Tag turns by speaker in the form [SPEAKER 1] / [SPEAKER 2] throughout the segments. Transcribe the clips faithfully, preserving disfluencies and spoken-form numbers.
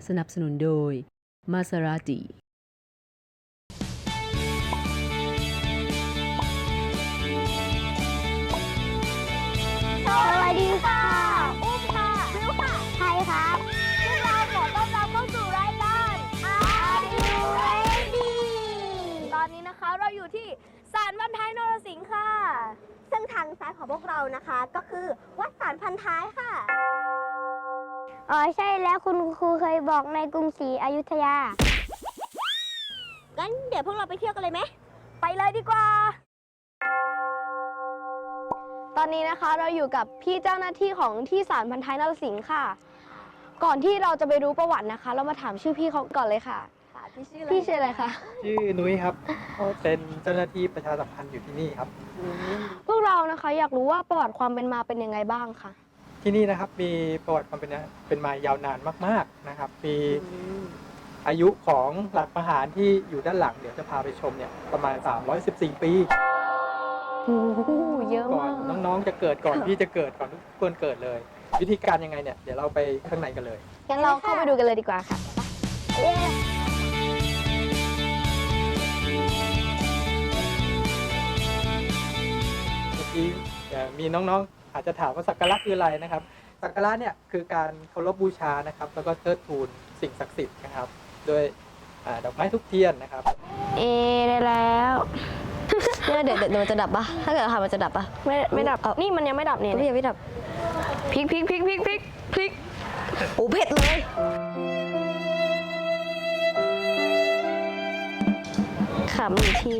[SPEAKER 1] สนับสนุนโดยมาซาราติ
[SPEAKER 2] สวัสดีค่ะอุ้มค่ะวิวค่ะไทยครับพวกเราขอต้อนรับเข้าสู่รายการ Are You Ready ตอนนี้นะคะเราอยู่ที่ศาลพันท้ายนรสิงห์ค่ะซึ่งทางซ้ายของพวกเรานะคะก็คือวัดศาลพันท้ายค่ะอ๋อใช่แล้วคุณครูเคยบอกในกรุงศรีอยุธยางั้นเดี๋ยวพวกเราไปเที่ยวกันเลยไหมไปเลยดีกว่า
[SPEAKER 3] ตอนนี้นะคะเราอยู่กับพี่เจ้าหน้าที่ของที่ศาลพันท้ายนรสิงห์ค่ะ ก่อนที่เราจะไปรู้ประวัตินะคะ เรามาถามชื่อพี่เขาก่อนเลยค่ะพี่ชื่ออะไรพี่ชื่ออะไรคะ
[SPEAKER 4] ชื่อนุ้ยครับเป็นเจ้าหน้าที่ประชาสัมพันธ์อยู่ที่นี่ครับ
[SPEAKER 3] พวกเรานะคะอยากรู้ว่าประวัติความเป็นมาเป็นยังไงบ้างคะ
[SPEAKER 4] ที่นี่นะครับมีประวัติความเป็นเป็นมายาวนานมากๆนะครับมีอายุของหลักประหารที่อยู่ด้านหลังเดี๋ยวจะพาไปชมเนี่ยประมาณสามร้อยสิบสี่ปี
[SPEAKER 3] โอ้โหเยอะ
[SPEAKER 4] ก่อ
[SPEAKER 3] มาน ก
[SPEAKER 4] น้องๆจะเกิดก่อนพี่จะเกิดก่อนทุกคนเกิดเลย วิธีการยังไงเนี่ยเดี๋ยวเราไปข้างในกันเลย
[SPEAKER 3] งั้นเราเข้าไปดูกันเลยดีกว่าค่ะ
[SPEAKER 4] เมื่อกี้มีน้องๆอาจจะถามว่าสักการะคืออะไรนะครับสักการะเนี่ยคือการเคารพบูชานะครับแล้วก็เทิดทูนสิ่งศักดิ์สิทธิ์นะครับด้วยดอกไม้ทุกเทียนนะครับ
[SPEAKER 3] เอได้แล้วเนี่ยเดี๋ยวเดี๋ยวมันจะดับปะถ้าเกิดค่ะมันจะดับปะไม่ไม่ดับนี่มันยังไม่ดับเนี่ยพี่ยังไม่ดับพริกพริกพริกพริกพริกพริกโอ้เผ็ดเลยขำอีกที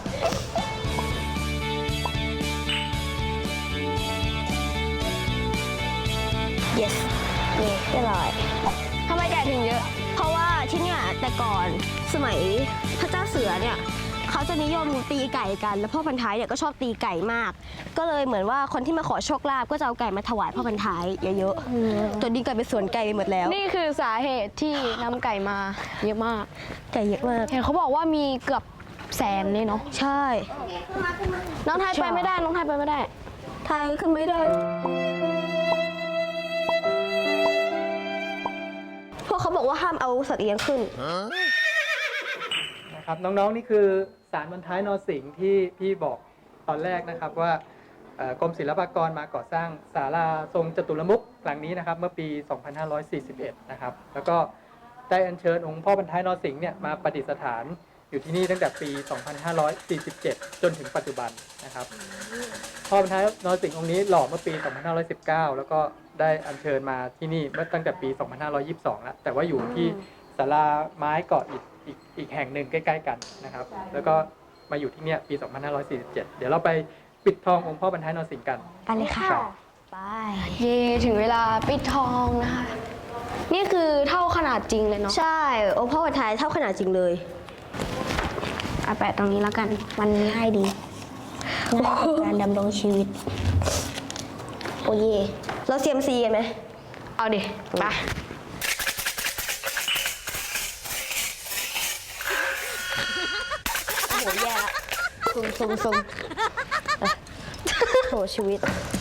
[SPEAKER 3] yes นี่เรียบร้อยทำไมไก่ถึงเยอะเพราะว่าที่เนี่ยแต่ก่อนสมัยพระเจ้าเสือเนี่ยเขาจะนิยมตีไก่กันแล้วพ่อพันท้ายเนี่ยก็ชอบตีไก่มากก็เลยเหมือนว่าคนที่มาขอโชคลาภก็จะเอาไก่มาถวายพ่อพันท้ายเยอะๆจนนี้กลายเป็นสวนไก่ไปหมดแล้วนี่คือสาเหตุที่นำไก่มาเยอะมากไก่เยอะมากเห็นเขาบอกว่ามีเกือบแสนเลยเนาะใช่น้องไทยไปไม่ได้น้องไทยไปไม่ได้ไทยขึ้นไม่ได้พวกเขาบอกว่าห้ามเอาสัตว์เลี้ยงขึ้น
[SPEAKER 4] นะครับน้องๆนี่คือศาลพันท้ายนรสิงห์ที่พี่บอกตอนแรกนะครับว่ากรมศิลปากรมาก่อสร้างศาลาทรงจตุรมุขหลังนี้นะครับเมื่อปี สองพันห้าร้อยสี่สิบเอ็ด นะครับแล้วก็ได้อัญเชิญองค์พ่อพันท้ายนรสิงห์เนี่ยมาประดิษฐานอยู่ที่นี่ตั้งแต่ปี สองพันห้าร้อยสี่สิบเจ็ด จนถึงปัจจุบันนะครับพ่อพันท้ายนรสิงห์องค์นี้หล่อเมื่อปี สองพันห้าร้อยสิบเก้า แล้วก็ได้อัญเชิญมาที่นี่เมื่อตั้งแต่ปี สองพันห้าร้อยยี่สิบสอง แล้วแต่ว่าอยู่ที่ศาลาไม้เกาะอิฐอีกอีกแห่งหนึ่งใกล้ๆกันนะครับแล้วก็มาอยู่ที่เนี่ยปี สองพันห้าร้อยสี่สิบเจ็ด เดี๋ยวเราไปปิดทององค์พ่อบรรทายนรสิงห์กัน
[SPEAKER 3] ไปเลยค่ะไปเย่ถึงเวลาปิดทองนะคะนี่คือเท่าขนาดจริงเลยเนาะใช่องค์พ่อบรรทายเท่าขนาดจริงเลยเอาแปะตรงนี้แล้วกันมันง่ายดีง่ายกับการดำรงชีวิตโอ้เย่เราเซียมซีกันไหมเอาดิไปโหแย่ละซุ่มซุ่มซุ่มโหชีวิต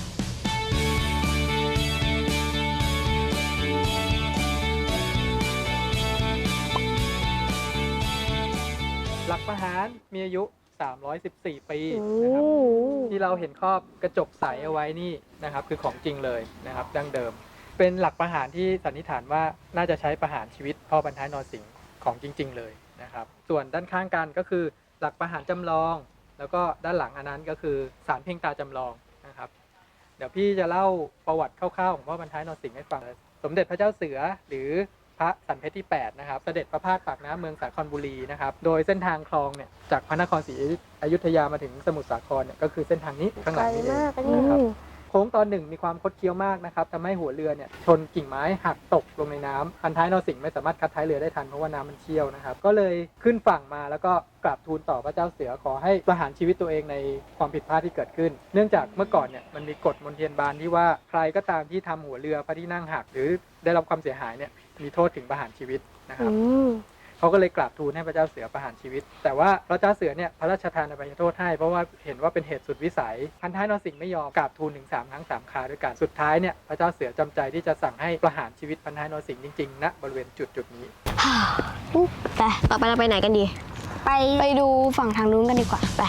[SPEAKER 4] หลักประหารมีอายุสามร้อยสิบสี่ปีนะครับที่เราเห็นครอบกระจกใสเอาไว้นี่นะครับคือของจริงเลยนะครับดั้งเดิมเป็นหลักประหารที่สันนิษฐานว่าน่าจะใช้ประหารชีวิตพ่อบรรทายนรสิงห์ของจริงๆเลยนะครับส่วนด้านข้างกันก็คือหลักประหารจำลองแล้วก็ด้านหลังอันนั้นก็คือศาลเพ่งตาจำลองนะครับเดี๋ยวพี่จะเล่าประวัติคร่าวๆของพ่อบรรทายนรสิงห์ให้ฟังสมเด็จพระเจ้าเสือหรือพระสันเพชรที่แปดนะครับเสด็จประพาสปากน้ำเมืองสาครบุรีนะครับโดยเส้นทางคลองเนี่ยจากพระนครศรีอยุธยามาถึงสมุทรสาครเนี่ยก็คือเส้นทางนี้ข้างหลังนี้เองนะครับโค้งตอนหนึ่งมีความคดเคี้ยวมากนะครับทำให้หัวเรือเนี่ยชนกิ่งไม้หักตกลงในน้ำพันท้ายนรสิงห์ไม่สามารถคัดท้ายเรือได้ทันเพราะว่าน้ำมันเชี่ยวนะครับก็เลยขึ้นฝั่งมาแล้วก็กราบทูลต่อพระเจ้าเสือขอให้ประหารชีวิตตัวเองในความผิดพลาดที่เกิดขึ้นเนื่องจากเมื่อก่อนเนี่ยมันมีกฎมนเทียนบานที่ว่าใครก็ตามที่ทำหัวเรือพระที่นั่งหักหรือได้รับความเสียหายเนี่ยมีโทษถึงประหารชีวิตนะครับพเขาก็เลยกราบทูลให้พระเจ้าเสือประหารชีวิตแต่ว่าพระเจ้าเสือเนี่ยพระราชทานอภัยโทษให้เพราะว่าเห็นว่าเป็นเหตุสุดวิสัยพันท้ายนรสิงห์ไม่ยอมกราบทูลถึงสามครั้งสามคราด้วยกันสุดท้ายเนี่ยพระเจ้าเสือจำใจที่จะสั่งให้ประหารชีวิตพันท้ายนรสิงห์จริงๆณบริเวณจุดจุดนี้
[SPEAKER 3] ไปต่อไปเราไปไหนกันดี
[SPEAKER 2] ไปไปดูฝั่งทางนู้นกันดีกว่าไป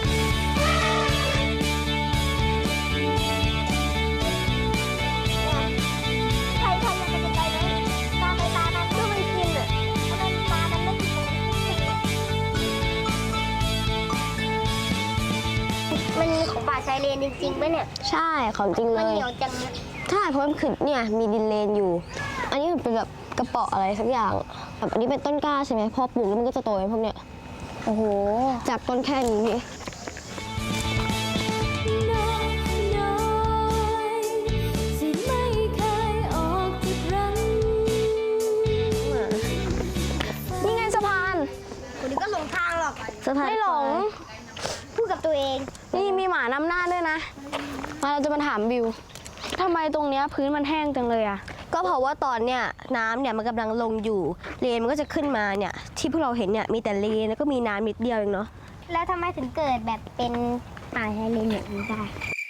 [SPEAKER 2] ใครใครยังไปไกลไหมตามไปตามมันเพื่อมันกินอ่ะทำไมตามันไม่กินมันมีของป่าชายเลนจริงๆไหมเนี่ย
[SPEAKER 3] ใช่ของจริงเล
[SPEAKER 2] มัน
[SPEAKER 3] ย
[SPEAKER 2] เหนียวจังเนี่ย
[SPEAKER 3] ใช่เพราะมันขึ้นเนี่ยมีดินเลนอยู่ อันนี้มันเป็นแบบกระเป๋ออะไรสักอย่างแบบอันนี้เป็นต้นกล้าใช่ไหมพอปลูกแล้วมันก็จะโตเป็นพวกเนี้ย
[SPEAKER 2] โอ้โห
[SPEAKER 3] จากต้นแค่นี้พี่นี่ไงสะพาน
[SPEAKER 2] คนนี้ก็หลงทางหรอก
[SPEAKER 3] สะพาน
[SPEAKER 2] ไม่หลง พูดกับตัวเอง
[SPEAKER 3] นี่มีหมานำหน้าด้วยนะ มาเราจะมาถามบิวทำไมตรงเนี้ยพื้นมันแห้งจังเลยอะก็เพราะว่าตอนเนี้ยน้ำเนี่ยมันกำลังลงอยู่เลนมันก็จะขึ้นมาเนี่ยที่พวกเราเห็นเนี่ยมีแต่เลนแล้วก็มีน้ำนิดเดียวเองเนาะ
[SPEAKER 2] แล้วทำไมถึงเกิดแบบเป็นป่าชายเลนอย่างนี้ได้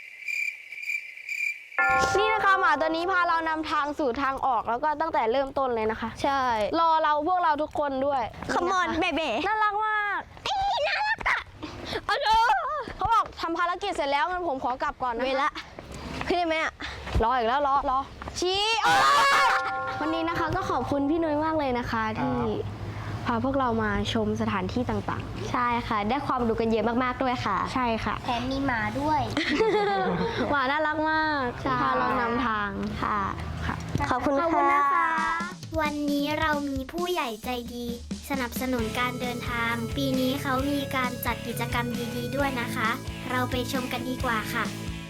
[SPEAKER 3] นี่นะคะหมาตัวนี้พาเรานำทางสู่ทางออกแล้วก็ตั้งแต่เริ่มต้นเลยนะคะ ใช่ รอเราพวกเราทุกคนด้วย
[SPEAKER 2] Come on baby
[SPEAKER 3] น่ารักมากน่ารักอะเอาเถอะเขาบอกทำภารกิจเสร็จแล้วงั้นผมขอกลับก่อนนะเวละขึ้นได้ไหมอะรออีกแล้วรอรอชี้วันนี้นะคะก็ขอบคุณพี่นุ้ยมากเลยนะคะที่พาพวกเรามาชมสถานที่ต่างๆ ใช่ค่ะ ได้ความรู้กันเยอะมากๆด้วยค่ะ ใช่ค่ะ
[SPEAKER 2] แถมมีหมาด้วย
[SPEAKER 3] หมาน่ารักมากพาเรานำทางค่ะขอบคุณ
[SPEAKER 2] ขอบคุณนะคะ
[SPEAKER 5] วันนี้เรามีผู้ใหญ่ใจดี สนับสนุนการเดินทาง ปีนี้เขามีการจัดกิจกรรมดีๆด้วยนะคะ เราไปชมกันดีกว่าค่ะ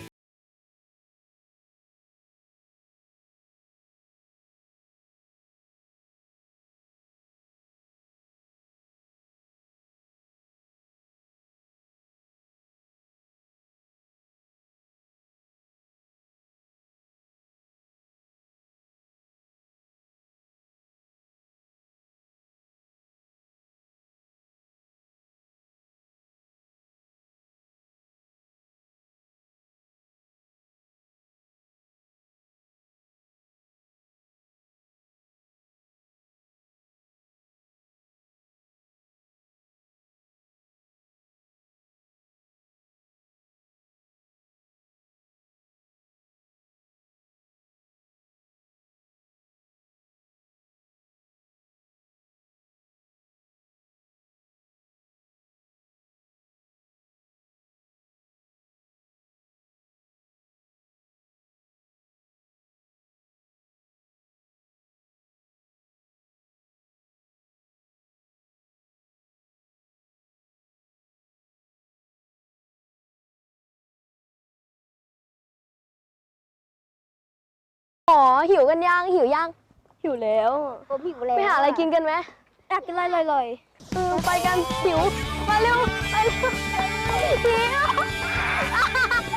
[SPEAKER 3] อ๋อหิวกันยังหิวยังหิวแล้ว
[SPEAKER 2] ผมหิวแล้ว
[SPEAKER 3] ไปหาอะไรกินกันไหม
[SPEAKER 2] อยากกินอะไรลอย
[SPEAKER 3] เออไปกันหิวมาเร็วไปเร็วหิว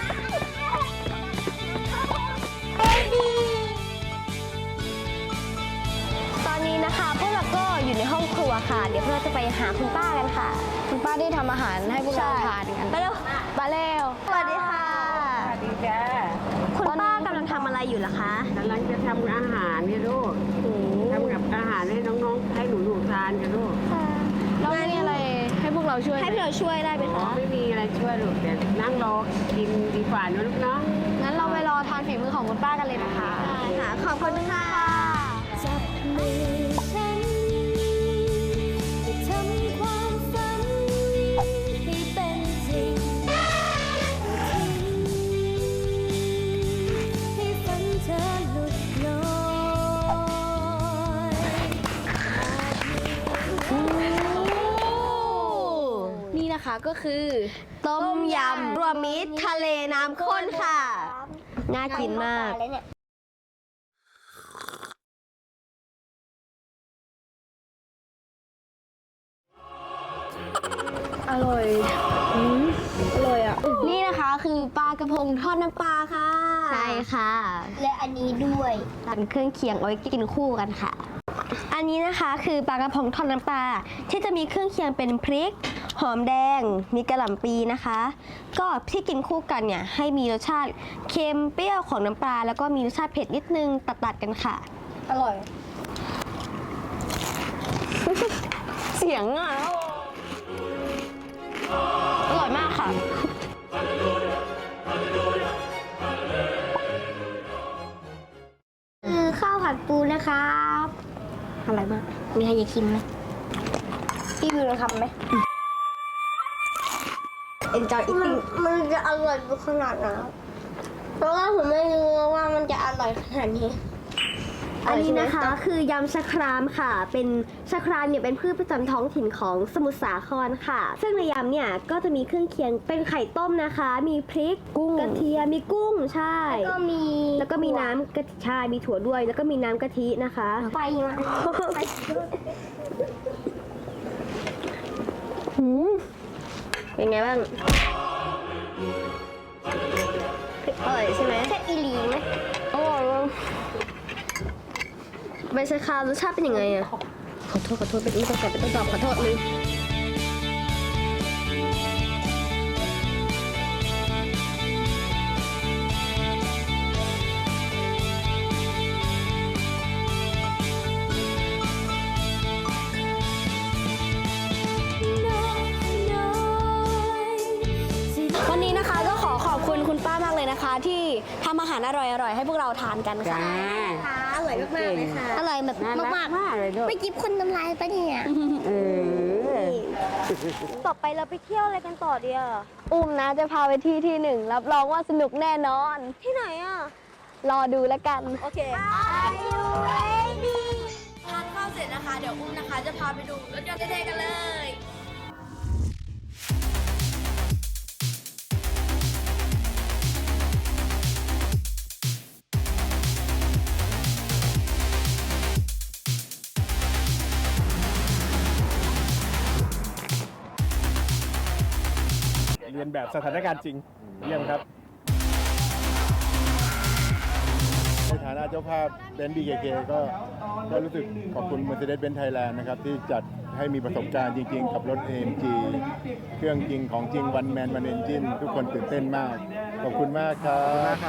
[SPEAKER 3] ตอนนี้นะคะพวกเราก็อยู่ในห้องครัวค่ะ เดี๋ยวพวกเราจะไปหาคุณป้ากันค่ะ คุณป้าที่ทำอาหารให้พวกเราทานกันไปเร็วมาเร็วสวัสดีค่ะ
[SPEAKER 6] สวัสดีจ้า
[SPEAKER 3] คุณป้ากำลังทำอะไรอยู่ล่ะคะ
[SPEAKER 6] กำลังจะทำอาหารนี่ลูกทำกับอาหารให้น้องๆให้หนูๆทานกันลูก
[SPEAKER 3] แล้วมีอะไรให้พวกเราช่วยให้พวกเราช่วยได้ไหม
[SPEAKER 6] อ๋อ
[SPEAKER 3] คะ
[SPEAKER 6] ไม่มีอะไรช่วยลูกแต่นั่งรอกินดีกว่านะลูกเนาะ
[SPEAKER 3] งั้นเราไปรอทานฝีมือของคุณป้ากันเลยนะคะค่ะ ขอบคุณค่ะ
[SPEAKER 5] จับมือฉันจะทำความฝันให้เป็นจริงให้ฝันเธอหลุดลอย
[SPEAKER 3] นี่นะคะก็คือ ต้มยำรวมมิตรทะเลน้ำข้นค่ะ น่ากินมาก
[SPEAKER 2] แล้วเนี่ย
[SPEAKER 3] อร่อยอืมอร่อยอ่ะ นี่นะคะคือปลากระพงทอดน้ำปลาค่ะ ใช่ค่ะ
[SPEAKER 2] และอันนี้ด้วย
[SPEAKER 3] เป็นเครื่องเคียงเอาไว้กินคู่กันค่ะ อันอันนี้นะคะคือปลากระพงทอดน้ำปลาที่จะมีเครื่องเคียงเป็นพริก หอมแดง มีกระหล่ำปีนะคะ ก็ที่กินคู่กันเนี่ยให้มีรสชาติเค็มเปรี้ยวของน้ำปลาแล้วก็มีรสชาติเผ็ดนิดนึงตัดๆกันค่ะ อร่อย เสียงอ่ะ อร่อยมากค่ะ
[SPEAKER 2] คือข้าวผัดปูนะครับ
[SPEAKER 3] อะไรมาก มีใครอยากชิมไหมพี่วิวลองทำไหม Enjoy
[SPEAKER 2] มัน
[SPEAKER 3] eating
[SPEAKER 2] มันจะอร่อยขนาดไหนเพราะว่าผมไม่รู้ว่ามันจะอร่อยขนาดนี้
[SPEAKER 3] อันนี้นะคะคือยำชะครามค่ะ เป็นชะครามเนี่ยเป็นพืชประจำท้องถิ่นของสมุทรสาครค่ะ ซึ่งในยำเนี่ยก็จะมีเครื่องเคียงเป็นไข่ต้มนะคะ มีพริกกุ้งกระเทียมมีกุ้งใช่
[SPEAKER 2] แล้วก็มี
[SPEAKER 3] แล้วก็มีน้ำกะทิใช่มีถั่วด้วย แล้วก็มีน้ำกะทินะคะ
[SPEAKER 2] ไฟมาไฟ
[SPEAKER 3] หืมเป็นไงบ้างอร่อยใช่ไหม
[SPEAKER 2] แค่อีหลีไหม
[SPEAKER 3] อร่อยเลยใบชะครามรสชาติเป็นยังไงอะขอโทษขอโทษเป็นไม่ต้องตอบเป็นต้องตอบขอโทษเลยวันนี้นะคะก็ขอขอบคุณคุณป้ามากเลยนะคะ ที่ทำอาหารอร่อยๆให้พวกเราทานกันค่ะ
[SPEAKER 6] จ้า
[SPEAKER 3] ค่ะอร่อยมากๆเลยค่ะ
[SPEAKER 2] อร่อยแบบ
[SPEAKER 6] น่ารัก
[SPEAKER 2] มาก
[SPEAKER 6] มากเลยลูก
[SPEAKER 2] ๆไปจิบคนน้ำลายปะเนี่ย
[SPEAKER 6] เออ
[SPEAKER 3] ต่อไปเราไปเที่ยวอะไรกันต่อดีอ่ะอุ้มนะจะพาไปที่ที่หนึ่งรับรองว่าสนุกแน่นอน ที่ไหนอ่ะ รอดูแล้วกัน โอเค
[SPEAKER 2] Are you ready
[SPEAKER 3] ทานข้าวเสร็จนะคะ เดี๋ยวอุ้มนะคะจะพาไปดูรถยนต์เท่ๆกันเลย
[SPEAKER 7] เรียนแบบสถานการณ์จริง เยี่ยมครับ ในฐานะเจ้าภาพเบนซ์ บี เค เค ก็ก็รู้สึกขอบคุณ Mercedes-Benz Thailand นะครับ ที่จัดให้มีประสบการณ์จริงๆ กับรถ เอ เอ็ม จี เครื่องจริงของจริง one man one engine ทุกคนตื่นเต้นมาก ขอบคุณมากครับ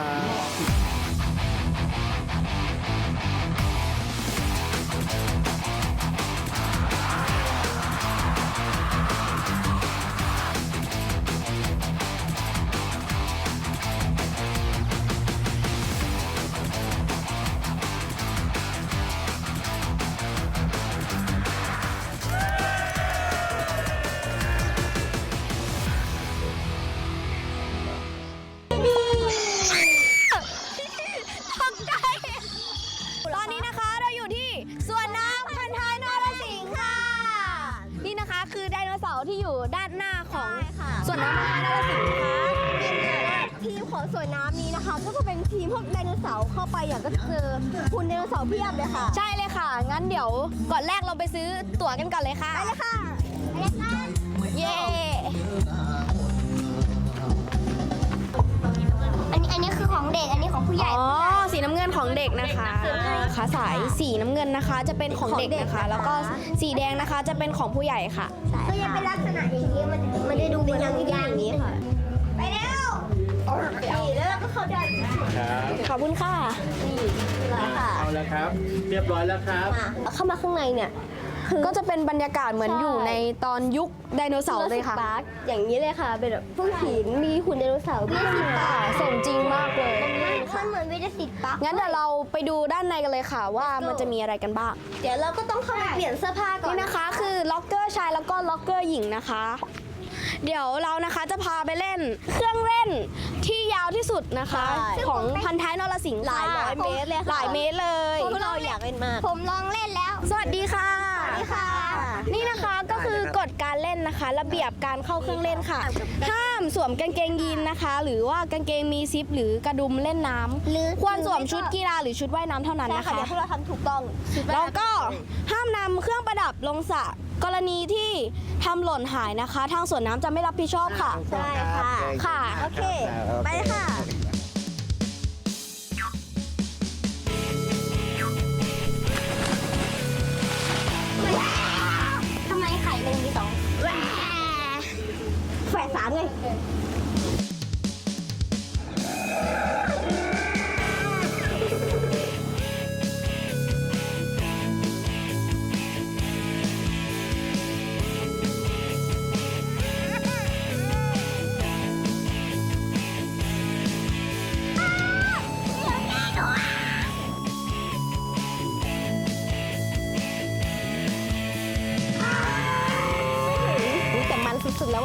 [SPEAKER 3] ตอนนี้นะคะเราอยู่ที่สวนน้ำพันท้ายนรสิงห์ค่ะ นี่นะคะคือไดโนเสาร์ที่อยู่ด้านหน้าของสวนน้ำพันท้ายนรสิงห์นะคะทีมของสวนน้ำนี้นะคะ ก็จะเป็นทีมพวกไดโนเสาร์เข้าไปอย่างก็จะเจอหุ่นไดโนเสาร์เพียบเลยค่ะ ใช่เลยค่ะ งั้นเดี๋ยวก่อนแรกเราไปซื้อตั๋วกันก่อนเลยค่ะไปเลยค่ะไปเลยค่ะเย้
[SPEAKER 2] อันนี้อันนี้คือของเด็ก อันนี้ของผู้ใหญ่
[SPEAKER 3] อ๋อ สีน้ำเงินของเด็กนะคะขาสายสีน้ำเงินนะคะจะเป็นของเด็กนะคะ แล้วก็สีแดงนะคะจะเป็นของผู้ใหญ่ค่ะ
[SPEAKER 2] ก็ยังเป็นลักษณะอย่างนี้ มันมันจะดูเหมือนยางยางนี้ค่ะ ไปเร็วนี่แล้วเราก็เข้าได้
[SPEAKER 7] ครับ
[SPEAKER 3] ขอบคุณค่ะ นี่เลยค่ะ
[SPEAKER 7] เอาแล้วครับ เรียบร้อยแล้วครับ
[SPEAKER 3] เข้ามาข้างในเนี่ยก็จะเป็นบรรยากาศเหมือนอยู่ในตอนยุคไดโนเสาร์เลยค่ะ อย่างนี้เลยค่ะ เป็นแบบพวกหินมีหุ่นไดโนเสาร์ด้วยค่ะสมจริงมากเลย
[SPEAKER 2] มันเหมือนวิทยาศิลป์ปะ
[SPEAKER 3] งั้นเดี๋ยวเราไปดูด้านในกันเลยค่ะว่ามันจะมีอะไรกันบ้าง
[SPEAKER 2] เดี๋ยวเราก็ต้องเข้าไปเปลี่ยนเสื้อผ้าก่อน
[SPEAKER 3] นี่นะคะคือล็อกเกอร์ชายแล้วก็ล็อกเกอร์หญิงนะคะ เดี๋ยวเรานะคะจะพาไปเล่นเครื่องเล่นที่ยาวที่สุดนะคะ ของพันท้ายนรสิงห์
[SPEAKER 2] หลายร้อยเมตรเลยค่ะ
[SPEAKER 3] หลายเมตรเลย
[SPEAKER 2] พวกเราอยากเล่นมาก ผมลองเล่นแล้ว
[SPEAKER 3] สวัสดีค่ะ
[SPEAKER 2] สวัสดีค่ะ
[SPEAKER 3] นี่นะคะก็คือกฎการเล่นนะคะ ระเบียบการเข้าเครื่องเล่นค่ะ ห้ามสวมกางเกงยีนนะคะ หรือว่ากางเกงมีซิปหรือกระดุมเล่นน้ำ
[SPEAKER 2] หรือ
[SPEAKER 3] ควรสวมชุดกีฬาหรือชุดว่ายน้ำเท่านั้น
[SPEAKER 2] ใช่
[SPEAKER 3] นะ
[SPEAKER 2] ค่ะ
[SPEAKER 3] คะ
[SPEAKER 2] เดี๋ยวพวกเราทำถูกต้อง
[SPEAKER 3] แล้วก็ห้ามนำเครื่องประดับลงสระกรณีที่ทำหล่นหายนะคะ ทางสวนน้ำจะไม่รับผิดชอบค่ะ
[SPEAKER 2] ใช่ค่ะ
[SPEAKER 3] ค่ะ
[SPEAKER 2] โอเค ไปเลยค่ะ
[SPEAKER 3] น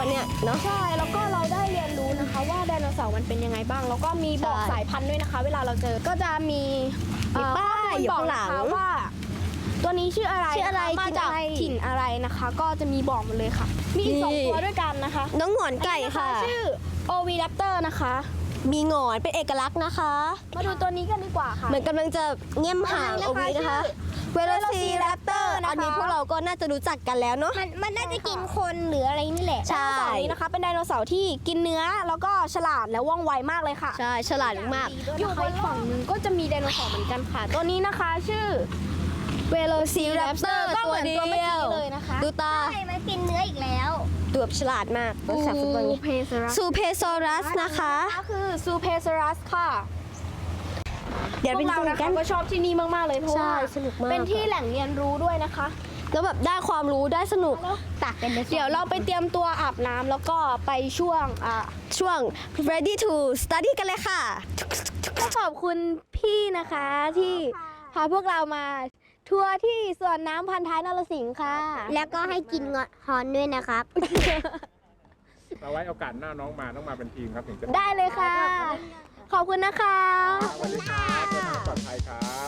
[SPEAKER 3] เนี่ยเนาะ
[SPEAKER 2] ใช่ แล้วก็เราได้เรียนรู้นะคะว่าไดโนเสาร์มันเป็นยังไงบ้าง แล้วก็มีบอก
[SPEAKER 3] ใช่
[SPEAKER 2] สายพันธุ์ด้วยนะคะ เวลาเราเจอ ก็จะมี
[SPEAKER 3] มีป้ายอยู่ข้างหลัง
[SPEAKER 2] ข้อมูลบอกนะคะว่า ตัวนี้ชื่ออะไร
[SPEAKER 3] ชื่ออะไร
[SPEAKER 2] นคมาจาก
[SPEAKER 3] กินอะไร
[SPEAKER 2] ถิ่นอะไรนะคะ ก็จะมีบอกหมดเลยค่ะ มีอีกสอง
[SPEAKER 3] นี่
[SPEAKER 2] ตัวด้วยกันนะคะ
[SPEAKER 3] น้องหงอนไก่ค่ะ
[SPEAKER 2] ชื่อโอวีแรปเตอร์นะคะ
[SPEAKER 3] มีหงอนเป็นเอกลักษณ์นะคะ
[SPEAKER 2] มาดูตัวนี้กันดีกว่าค่ะ
[SPEAKER 3] เหมือนกำลังจะเงี่ยมหางเอาไว้นะคะเวลซีแรปเตอร์
[SPEAKER 2] นะคะ
[SPEAKER 3] อันนี้พวกเราก็น่าจะรู้จักกันแล้วเนาะ
[SPEAKER 2] มันมันน่าจะกินคนหรืออะไรนี่แหละ
[SPEAKER 3] ใช่
[SPEAKER 2] ไดโนเสาร์นี้นะคะ เป็นไดโนเสาร์ที่กินเนื้อแล้วก็ฉลาดและว่องไวมากเลยค่ะ
[SPEAKER 3] ใช่ฉลาดมาก
[SPEAKER 2] อยู่บนฝั่งหนึงก็จะมีไดโนเสาร์เหมือนกันค่ะ ตัวนี้นะคะชื่อเวโลซีแรปเตอร์ก็เหมือนตัวเมื่อกี้เลยนะคะ
[SPEAKER 3] ดูตา
[SPEAKER 2] ใช่มันกินเนื้ออีกแล้ว
[SPEAKER 3] ตัวฉลาดมากภาษาฟุตบอลไง
[SPEAKER 2] เพซรัส
[SPEAKER 3] ซูเพโซรัสนะคะ
[SPEAKER 2] ก็คือซูเพซรัสค่ะ
[SPEAKER 3] เดี๋ยว
[SPEAKER 2] พ
[SPEAKER 3] ไป
[SPEAKER 2] วก
[SPEAKER 3] ดู
[SPEAKER 2] เรานะ
[SPEAKER 3] กั
[SPEAKER 2] คะ
[SPEAKER 3] น
[SPEAKER 2] ก็ชอบที่นี่มากๆเลยเพราะ
[SPEAKER 3] ใช่
[SPEAKER 2] ว่า
[SPEAKER 3] สนุกมาก
[SPEAKER 2] เป็นที่แหล่งเรียนรู้ด้วยนะคะ
[SPEAKER 3] แล้วแบบได้ความรู้ได้สนุก
[SPEAKER 2] ตักกันเดี๋ยวเราไปเตรียมตัวอาบน้ำแล้วก็ไปช่วงอ่า
[SPEAKER 3] ช่วง ready to study กันเลยค่ะ
[SPEAKER 2] ก็ขอบคุณพี่นะคะที่พาพวกเรามาทัวร์ที่สวนน้ำพันท้ายนรสิงห์ค่ะ
[SPEAKER 5] แล้วก็ให้กินเงาะฮอนด้วยนะครับ
[SPEAKER 8] เอาไว้โอกาสหน้าน้องมาต้องมาเป็นทีมครับถึงจะ
[SPEAKER 2] ได้เลยค่ะ ขอบคุณนะคะ
[SPEAKER 8] สวัสดีครับเดินทางปลอดภัยครับ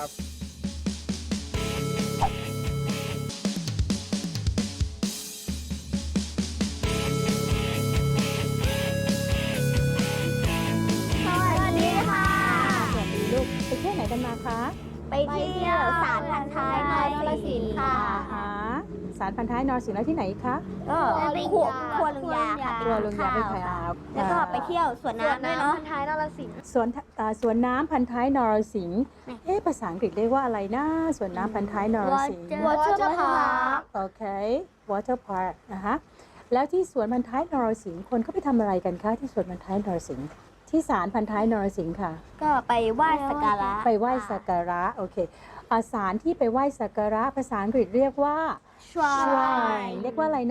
[SPEAKER 2] สวัสดีค่ะ
[SPEAKER 9] สวัสดีลูกไปเที่ยวไหนกันมาคะ
[SPEAKER 2] ไปเที่ยวสารพันท้ายนรสิงห์ค่ะ
[SPEAKER 9] หาสารพันท้ายนรสิงห์แล้วที่ไหนอีกคะ
[SPEAKER 2] ก็
[SPEAKER 5] ครัวครัวลุงยาค่ะ
[SPEAKER 9] ครัวลุงยาไปขายอา
[SPEAKER 5] แล้วก็ไปเที่ยวสวน
[SPEAKER 2] สวน
[SPEAKER 5] น้ำด้วยเนาะ
[SPEAKER 2] น้ำพันท้ายนรสิงห์
[SPEAKER 9] สวนอ่าสวนน้ำพันท้ายนรสิงห์เอ๊ะภาษาอังกฤษเรียกว่าอะไรนะสวนน้ำพันท้ายนรสิงห์
[SPEAKER 2] Water Park
[SPEAKER 9] โอเค water park นะคะแล้วที่สวนพันท้ายนรสิงห์คนเขาไปทำอะไรกันคะที่สวนพันท้ายนรสิงห์ที่ศาลพันท้ายนรสิงห์ค่ะ
[SPEAKER 5] ก็ไปไหว้สักการะ
[SPEAKER 9] ไปไหว้สักการะโอเคอาสารที่ไปไหว้สักการะภาษาอังกฤษเรียกว่า shrine เรียกว่าอะไรนะ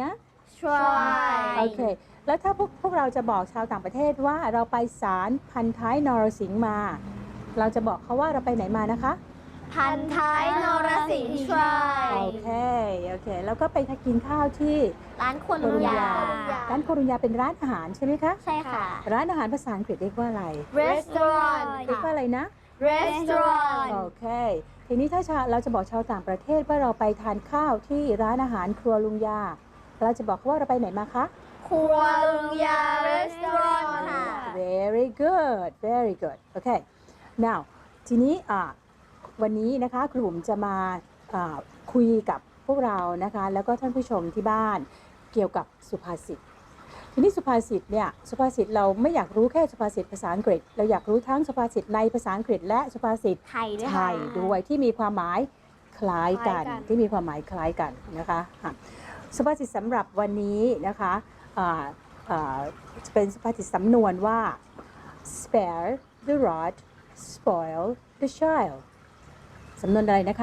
[SPEAKER 5] shrine
[SPEAKER 9] โอเค แล้วถ้าพวกพวกเราจะบอกชาวต่างประเทศว่าเราไปศาลพันท้ายนรสิงห์มา เราจะบอกเขาว่าเราไปไหนมานะคะ
[SPEAKER 5] พันท้ายนรสิงห์ shrine
[SPEAKER 9] โอเค โอเค แล้วก็ไปกินข้าวที่
[SPEAKER 5] ร้านครัวลุงยา
[SPEAKER 9] ร้านโครุญญาเป็นร้านอาหารใช่ไหมคะ
[SPEAKER 5] ใช่ค่ะ
[SPEAKER 9] ร้านอาหารภาษาอังกฤษเรียกว่าอะไร
[SPEAKER 2] restaurant
[SPEAKER 9] เรียกว่าอะไรนะ
[SPEAKER 2] restaurant
[SPEAKER 9] โอเค ทีนี้ถ้าชาเราจะบอกชาวต่างประเทศว่าเราไปทานข้าวที่ร้านอาหารครัวลุงยา เราจะบอกเขาว่าเราไปไหนมาคะ
[SPEAKER 2] ครัวลุงยา restaurant ค่ะ
[SPEAKER 9] very good very good โอเค now ทีนี้อ่าวันนี้นะคะครูบุ๋มจะมาอ่าคุยกับพวกเรานะคะแล้วก็ท่านผู้ชมที่บ้านเกี่ยวกับสุภาษิตทีนี้สุภาษิตเนี่ยสุภาษิตเราไม่อยากรู้แค่สุภาษิตภาษาอังกฤษเราอยากรู้ทั้งสุภาษิตในภาษาอังกฤษและสุภาษิต
[SPEAKER 5] ไทยด้วย
[SPEAKER 9] ไท
[SPEAKER 5] ค่ะ
[SPEAKER 9] ยด้วยที่มีความหมายคล้ายกัน
[SPEAKER 2] คล้ายกัน
[SPEAKER 9] ที่มีความหมายคล้ายกันนะคะอ่ะสุภาษิตสำหรับวันนี้นะคะอ่าอ่าจะเป็นสุภาษิตสำนวนว่า spare the rod spoil the child สำนวนอะไรนะคะ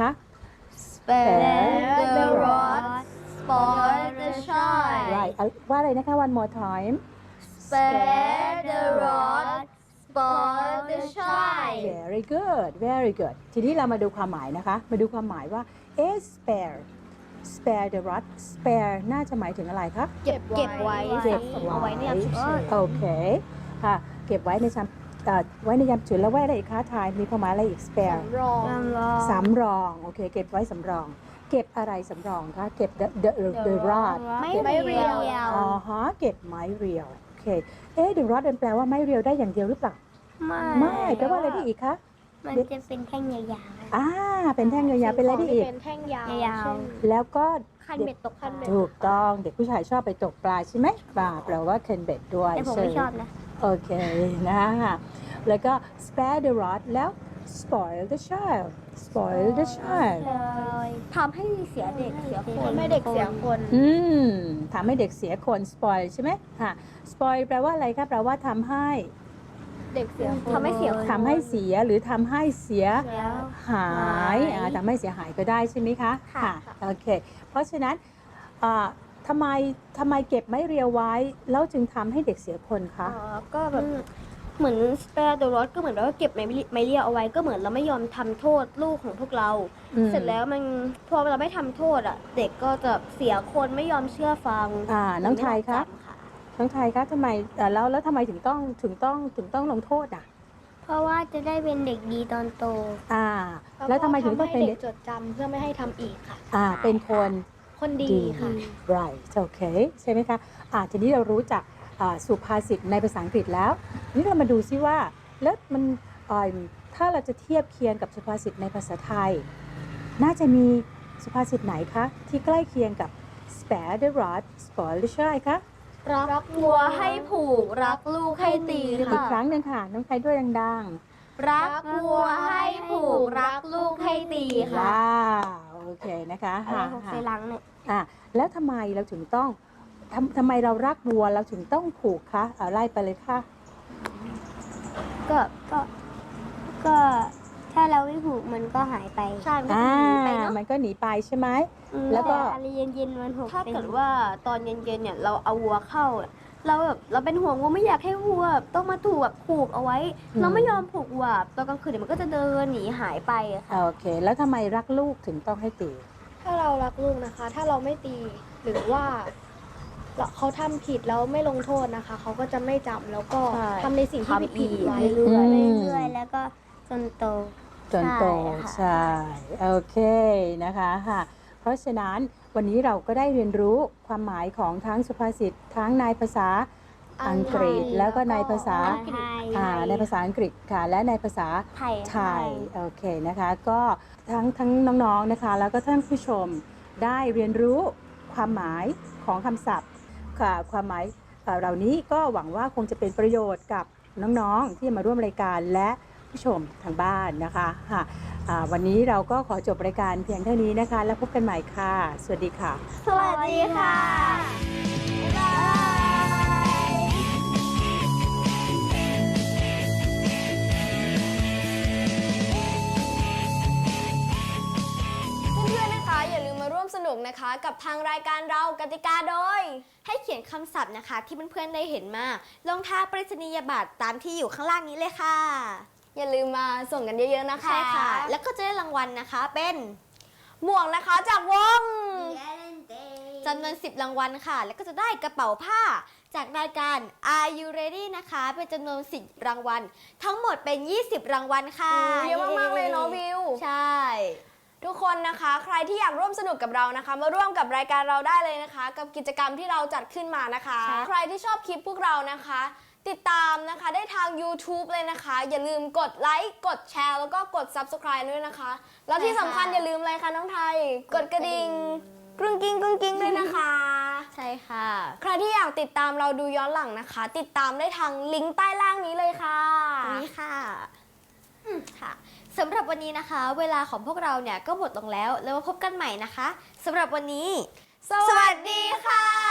[SPEAKER 2] spare the rod spoil the child
[SPEAKER 9] right เอาว่าอะไรนะคะ one more time
[SPEAKER 2] spare the rod spoil the child
[SPEAKER 9] very good very good ทีนี้เรามาดูความหมายนะคะ มาดูความหมายว่า a spare spare the rod spare น่าจะหมายถึงอะไรคะ
[SPEAKER 2] เก็บเก็บไว้
[SPEAKER 9] เก็บ
[SPEAKER 2] สะสมเอาไว้ในยามฉุกเฉิน
[SPEAKER 9] โอเคค่ะเก็บไว้ในชามเอ่อไว้ในยามฉุกเฉินแล้วไว้อะไรอีกคะทายมีความหมายอะไรอีก spare
[SPEAKER 2] รอง
[SPEAKER 9] สำรองโอเคเก็บไว้สำรอง เก็บอะไรสำรองคะเก็บ the the the rod
[SPEAKER 2] ไม่
[SPEAKER 9] เก็บ
[SPEAKER 2] ไม่เรียว
[SPEAKER 9] อ๋อฮะเก็บไม้เรียวโอเคเอ๊ะ the rod มันแปลว่าไม้เรียวได้อย่างเดียวหรือเปล่าไม่แปลว่าอะไรได้อีกคะ
[SPEAKER 5] มันจะเป็นแท่งยาว
[SPEAKER 9] อ่าเป็นแท่งยาวๆเป็นอะไรได้อีก
[SPEAKER 2] เป็นแท่งยาว
[SPEAKER 5] ๆยาว
[SPEAKER 9] แล้วก็
[SPEAKER 5] ๆคันเบ็ดตกคันเบ็ด
[SPEAKER 9] ถูกต้องเด็กผู้ชายชอบไปตกปลาใช่ไหมปลาแปลว่า can bet ด้วย
[SPEAKER 5] แต่ผมไม่ชอบนะ
[SPEAKER 9] โอเคนะคะแล้วก็ spare the rod แล้ว spoil the child spoil the child
[SPEAKER 5] ทำให้เสียเด็กเสียคน
[SPEAKER 2] ทำให้เด็กเสียคน
[SPEAKER 9] อืมทำให้เด็กเสียคน spoil ใช่ไหมค่ะ spoil แปลว่าอะไรคะแปลว่าทำให้
[SPEAKER 2] เด็กเสียคน
[SPEAKER 5] ทำให้เสียคน
[SPEAKER 9] ทำให้เสียหรือทำให้เสีย
[SPEAKER 5] แล้ว
[SPEAKER 9] หายอ่าทำให้เสียหายก็ได้ใช่ไหมคะ
[SPEAKER 5] ค่ะ
[SPEAKER 9] โอเค เพราะฉะนั้นอ่าทำไมทำไมเก็บไม้เรียวไว้แล้วจึงทำให้เด็กเสียคนคะ
[SPEAKER 3] อ๋อก็แบบเหมือน spare the rod ก็เหมือนว่าเก็บไม้ไม้เรียวเอาไว้ก็เหมือนเราไม่ยอมทำโทษลูกของพวกเรา
[SPEAKER 9] อืม
[SPEAKER 3] เสร็จแล้วมันพอเราไม่ทำโทษอ่ะ เด็กก็จะเสียคนไม่ยอมเชื่อฟัง
[SPEAKER 9] อ่าน้องไทยครับ
[SPEAKER 3] ไม่ยอมจำค่ะ
[SPEAKER 9] น้องไทยคะทำไมเอ่อแล้วแล้วทำไมถึงต้องถึงต้องถึงต้องลงโทษอ่ะ
[SPEAKER 2] เพราะว่าจะได้เป็นเด็กดีตอนโต
[SPEAKER 9] อ่า แล้วทำไมถึงต้องเป็นเด็ก
[SPEAKER 2] จดจำเพื่อไม่ให้ทำอีกค่ะ
[SPEAKER 9] อ่าเป็นคน
[SPEAKER 2] คนดีค่ะ
[SPEAKER 9] right โอเคใช่ไหมคะอ่าทีนี้เรารู้จักอ่าสุภาษิตในภาษาอังกฤษแล้วทีนี้เรามาดูซิว่าแล้วมันอ่าถ้าเราจะเทียบเคียงกับสุภาษิตในภาษาไทย น่าจะมีสุภาษิตไหนคะที่ใกล้เคียงกับ spare the rod spoil the child คะ
[SPEAKER 3] รักวัวให้ผูก รักลูกให้ตี
[SPEAKER 9] อีก
[SPEAKER 3] ค่ะ
[SPEAKER 9] ครั้งหนึ่งค่ะน้องไทยด้วยดัง
[SPEAKER 3] รักวัวให้ผูก รักลูกให้ตี
[SPEAKER 9] ๆ
[SPEAKER 3] ค่ะ
[SPEAKER 9] ว้าวโอเคนะคะ
[SPEAKER 3] อะไร
[SPEAKER 9] ค่ะ
[SPEAKER 3] ของ
[SPEAKER 9] ค่ะ
[SPEAKER 3] เซรังเนี่ย
[SPEAKER 9] อ่ะแล้วทำไมเราถึงต้องทำทำไมเรารักวัวเราถึงต้องผูกคะเอาไล่ไปเลยค่ะ
[SPEAKER 2] ก็ก็ก็ถ้าเราไม่ผูกมันก็หายไป
[SPEAKER 3] ใช่มันก็
[SPEAKER 9] อ่า
[SPEAKER 3] จะหนีไปเนาะ
[SPEAKER 9] มันก็หนีไปใช่ไหม
[SPEAKER 2] อืม
[SPEAKER 9] แล้วก็
[SPEAKER 2] ต่อะไรเย็นๆมันหก
[SPEAKER 3] ถ้า
[SPEAKER 2] เป็น
[SPEAKER 3] เกิดว่าตอนเย็นๆเนี่ยเราเอาวัวเข้า เราแบบเราเป็นห่วงวัวไม่อยากให้วัวต้องมาถูกแบบผูกเอาไว้ เราไม่ยอมผูกวัวตอนกลางคืนเดี๋ยวมันก็จะเดินหนีหายไปอะค่ะ
[SPEAKER 9] โอเค แล้วทำไมรักลูกถึงต้องให้ตี
[SPEAKER 10] ถ้าเรารักลูกนะคะ ถ้าเราไม่ตีหรือว่าเราเขาทำผิดแล้วไม่ลงโทษนะคะ เขาก็จะไม่จำแล้วก็
[SPEAKER 3] ใช่
[SPEAKER 10] ทำในสิ่งที่ผิดๆไว้
[SPEAKER 3] เรื่อย
[SPEAKER 9] อืม
[SPEAKER 2] เรื่อยๆแล้วก็จนโต
[SPEAKER 9] จนโต
[SPEAKER 3] ใช่
[SPEAKER 9] ใช่โอเคนะคะค่ะเพราะฉะนั้นวันนี้เราก็ได้เรียนรู้ความหมายของทั้งสุภาษิตทั้งในภาษาอังกฤษ แล้วก็ในภาษา
[SPEAKER 2] ไทย
[SPEAKER 9] อ่าในภาษาอังกฤษค่ะและในภาษา
[SPEAKER 3] ไทย
[SPEAKER 9] ไทยโอเคนะคะก็ทั้งทั้งน้องๆนะคะแล้วก็ท่านผู้ชมได้เรียนรู้ความหมายของคำศัพท์ค่ะความหมายเอ่อเหล่านี้ก็หวังว่าคงจะเป็นประโยชน์กับน้องๆที่มาร่วมรายการและผู้ชมทางบ้านนะคะค่ะอ่าวันนี้เราก็ขอจบรายการเพียงเท่านี้นะคะแล้วพบกันใหม่ค่ะ สวัสดีค่ะ
[SPEAKER 3] สวัสดีค่ะ
[SPEAKER 11] เพื่อนๆ นะคะ อย่าลืมมาร่วมสนุกนะคะกับทางรายการเรากติกาโดย ให้เขียนคำศัพท์นะคะที่เพื่อนๆ ได้เห็นมาลงท้ายไปรษณียบัตรตามที่อยู่ข้างล่างนี้เลยค่ะ อย่าลืมมาส่งกันเยอะๆ นะคะ ใช่ค่ะ แล้วก็จะได้รางวัลนะคะเป็นหมวกนะคะจากวงจำนวนสิบรางวัลค่ะ แล้วก็จะได้กระเป๋าผ้าจากรายการ Are You Ready นะคะเป็นจำนวนสิบรางวัลทั้งหมดเป็นยี่สิบรางวัลค่ะ
[SPEAKER 3] เยอะมากๆเลยเนาะวิว
[SPEAKER 11] ใช่ ทุกคนนะคะใครที่อยากร่วมสนุกกับเรานะคะ มาร่วมกับรายการเราได้เลยนะคะ กับกิจกรรมที่เราจัดขึ้นมานะคะ ใครที่ชอบคลิปพวกเรานะคะ ติดตามนะคะได้ทาง YouTube เลยนะคะ อย่าลืมกดไลค์กดแชร์แล้วก็กด Subscribe ด้วยนะคะ แล้วที่สำคัญอย่าลืมอะไรคะน้องไทย กดกระดิ่งกรุ้งกิ้งกรุ้งกิ้งด้วยนะคะ
[SPEAKER 3] ใช่ค่ะ
[SPEAKER 11] ใครที่อยากติดตามเราดูย้อนหลังนะคะ ติดตามได้ทางลิงก์ใต้ล่างนี้เลยค่ะ
[SPEAKER 3] ตรงนี้ค่ะ
[SPEAKER 11] อืมค่ะสำหรับวันนี้นะคะ เวลาของพวกเราเนี่ยก็หมดลงแล้วแล้วมาพบกันใหม่นะคะสำหรับวันนี้ สวัสดีค่ะ